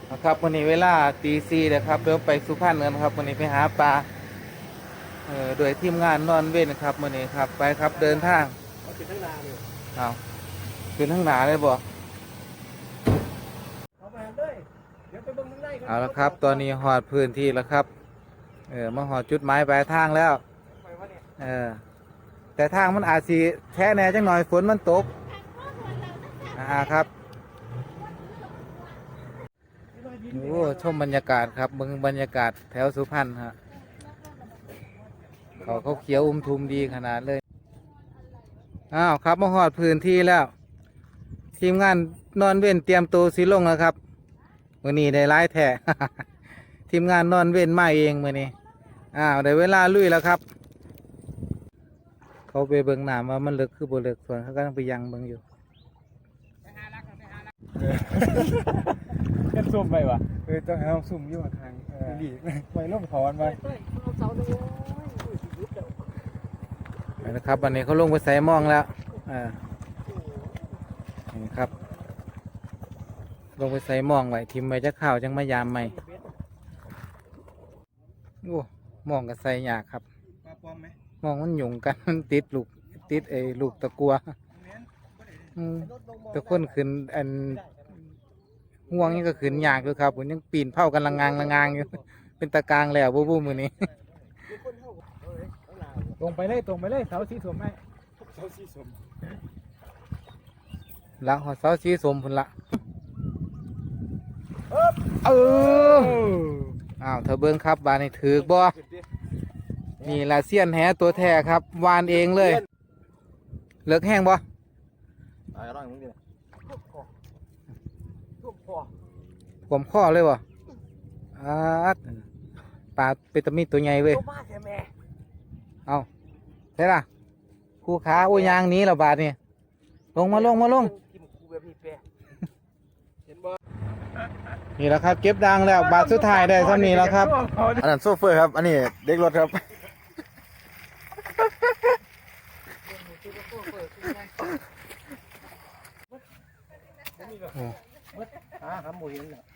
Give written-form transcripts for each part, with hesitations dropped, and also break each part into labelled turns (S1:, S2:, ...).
S1: นะครับวันนี้เวลาตี 4นะครับเดี๋ยวไปสุพรรณกันครับวันนี้ไปหาปลาโดยทีมงานนอนเว้นครับวันนี้ครับไปครับเดินทาง
S2: เอาขึ้นทั้งนาเลย
S1: เอาขึ้นทั้งหนาเลยบ่
S2: เอาไปเลยเดี๋ยวไปเบิ่งข้างในกัน
S1: เอาละครับตอนนี้หอดพื้นที่แล้วครับมาหอดจุดหมายปลายทางแล้ว
S2: ไปวะเนี่ย
S1: แต่ทางมันอาจสิแท้แน่จังหน่อยฝนมันตกครับโอ้ชมบรรยากาศครับเบิ่งบรรยากาศแถวสุพรรณฮะเขาเขียวทุมดีขนาดเลยอ้าวครับมาหอดพื้นที่แล้วทีมงานนอนเว้นเตรียมตัวสิลงแล้วครับมื้อนี้ได้หลายแท้ ทีมงานนอนเว้นมาเองมื้อนี้ได้เวลาลุยแล้วครับเขาไปเบิ่งน้ำว่ามันลึกคือบ่ลึกส่วนเขาก็ต้องไปยังเบิ่งอยู่
S2: กันซุ่มไปวะ
S1: ต้องเอาซุ่มอยู่ทางดีไปลงถอนไปนะครับวันนี้เขาลงไปใส่มองแล้วนี่ครับลงไปใส่มองไว้ทิมไว้จะข้าวจังมายามใหม่โอ้มองกับใส่ยากครับมองมันหยุ่งกันมันติดลูกลูกตะกัวตะก้นขึ้นอันห่วงนี่ก็ขึ้นยากด้วยครับผมยังปีนเผากันละงางอยู่เป็นตะกางแล้วบู๊มือนี้
S2: ตรงไปเลยเสาสีสมไหมเสาสีสม
S1: หลังหอเสาสีสมพุ่นละเธอเบิ้งครับบานนี่ถือบ่นี่ละเสี้ยนแหตัวแท้ครับวานเองเลยเลิกแห้งบ่ผมข้อเลยบ่ปลาเป็นตะมีตัวใหญ่เว้ยเอาใช่ล่ะคู่ขาโอ้ยยางนี้ละบาทนี่ลงมานี่แหละครับเก็บดังแล้วบาทสุดท้ายได้เท่านี้แล้วครับ
S3: อันนั้นโซเฟอร์ครับอันนี้เด็กรถครับ
S2: ครับหมูเห็นเนี่ย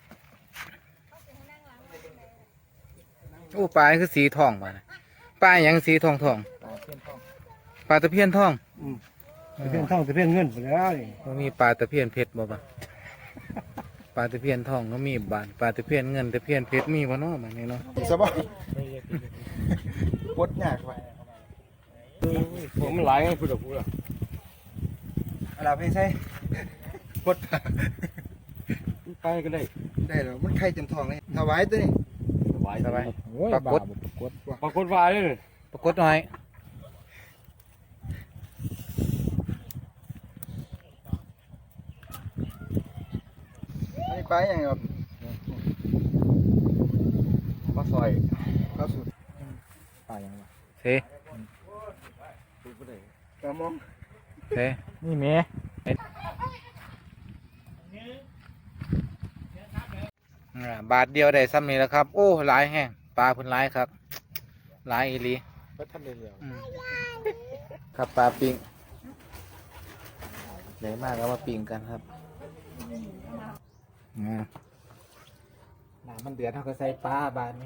S1: โอ้ปลาคือสีทองปลาอย่างสีทองปลาตะเพียนทอง
S2: ตะเพียนทองตะเพียนเงินไปแล้วนี่
S1: มันมีปลาตะเพียนเพชรบ่ปลาตะเพียนทองก็มีบานปลาตะเพียนเงินตะเพียนเพชรมีบ่เนาะแบบนี้เนาะ
S3: สบายปวดยากไป
S2: ผมมันหลายไงพูดกับพูด
S3: อะไรพี่ใช่ปวด
S2: ไปก็ได้
S3: แล้วมันไข่เต็มท้องเลยถวายตัวนี้
S1: สบายปรากฏ
S2: วายเลย
S1: ปรากฏหน่อย
S3: อันนี้ปลาอย่างครับปลาซอยปลาสุด
S2: ปลาอย่างวะ
S1: เส
S3: ปลามอง
S2: นี่เมย์
S1: บาทเดียวได้ซ้ำนี้แล้วครับโอ้หลายแห้งปลาพุ่นหลายครับหลายอีหลี
S2: ก็ทำเร็ว
S1: ครับปลาปิงใหญ่มากแล้วมาปิงกันครับน้ำมันเดือดเท่ากับใส่ปลาบาทนี้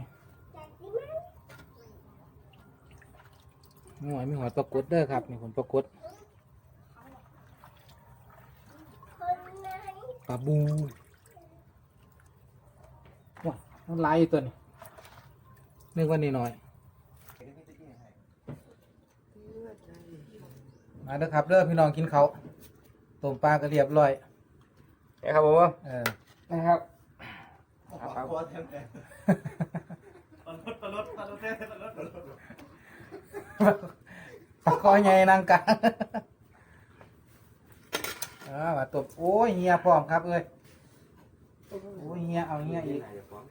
S1: มีหัวปลากดเด้อครับนี่ผมปลากดปลาบูว้ามันลายตัวนี้นึกว่านี่หน่อยมาเด้อครับเด้อพี่น้องกินเขาต้มปลาก็เรียบร้อย
S3: ครับผม
S1: นะครับตะคอยใหญ่นางกามาตบโอ้ยเฮียพร้อมครับเอ้ยโอ้ยเฮียเอาเฮียอีก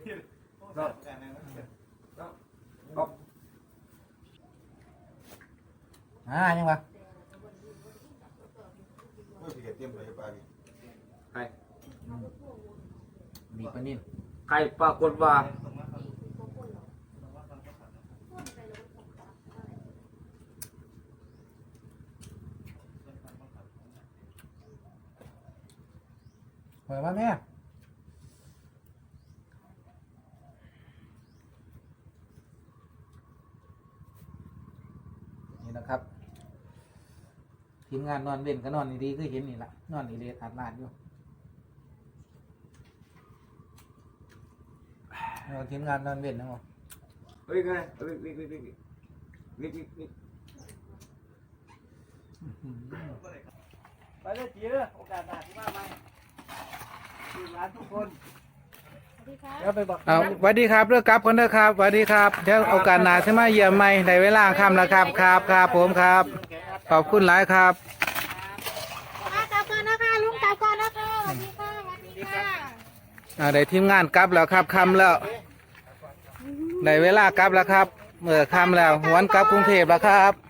S1: ยังวะมีปลานิ่ม
S2: ไข่ปลากดว่า
S1: หอยว่าแม่ทีมงานนอนเว้นก็นอนดีๆคือเห็นนี่ละนอนนี่เลยอาดลาดอยู่ทีมงานนอนเว้นนะมั้ง
S3: เฮ้ยไงวิก
S2: ไปเลยจีเด้อโอกาสหน้าที่มาใหม่ทีมงานทุกคนเดี๋ยวไปบอก
S1: เอาสวัสดีครับเลิกกลับคนเด้อครับสวัสดีครับเดี๋ยวโอกาสหน้าใช่ไหมาเยี่ยมใหม่ในเวลาค่ำแล้วครับครับผมครับขอบคุณหลายครับ
S4: กลับก่อนนะคะลุงกลับก่อนนะคะสวัสดีค่ะสวัสดีค่ะ
S1: ได้ทีมงานกลับแล้วครับค่ำแล้วได้เวลากลับแล้วครับเมื่อค่ำแล้วหวนกลับกรุงเทพแล้วครับ